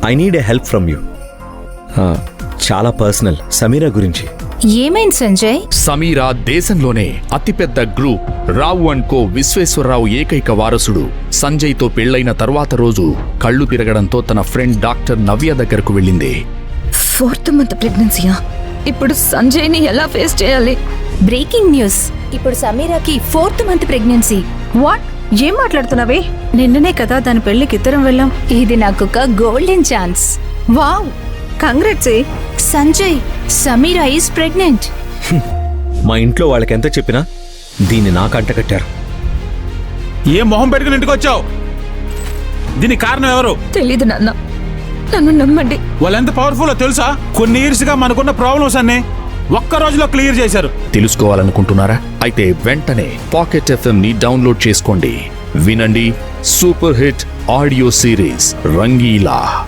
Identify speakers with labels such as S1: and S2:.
S1: I need a help from you. చాలా personal, Sameera గురించి.
S2: ఏమైంది సంజయ్?
S3: సమీరా దేశంలోనే అతిపెద్ద group Rao and co Visweswararao ఏకైక వారసుడు సంజయ్తో పెళ్లైన తర్వాత రోజు కళ్ళు తిరగడంతో తన ఫ్రెండ్ డాక్టర్ నవ్య దగ్గరకు వెళ్ళింది.
S4: 4th month ప్రెగ్నెన్సీయా? ఇప్పుడు సంజయ్ని ఎలా ఫేస్ చేయాలి?
S2: బ్రేకింగ్ న్యూస్, ఇప్పుడు సమీరాకి 4th మంత్ ప్రెగ్నెన్సీ.
S4: వాట్? ఏం మాట్లాడుతున్నావే? నిన్ననే కదా దాని పెళ్లికి ఇద్దరం వెళ్ళాం.
S2: ఇది నాకొక golden chance.
S4: Wow, congrats.
S2: Sanjay, Sameera is pregnant.
S1: మా ఇంట్లో వాళ్ళకెంత చెప్పినా దీన్ని నాకు అంటకట్టారు.
S5: ఏ మొహం పెట్టుకుని ఇంటికి వచ్చావు? దీనికి కారణం ఎవరు?
S4: తెలీదు నాన్న, నన్ను నమ్మండి.
S5: వాళ్ళు ఎంత పవర్ఫుల్ తెలుసా? కొన్ని ఇయర్స్ గా మనకున్న ప్రాబ్లమ్స్ అన్ని ఒక్క రోజులో క్లియర్ చేశారు.
S3: తెలుసుకోవాలనుకుంటున్నారా? అయితే వెంటనే పాకెట్ FM ని డౌన్లోడ్ చేసుకోండి. వినండి super hit audio series Rangeela.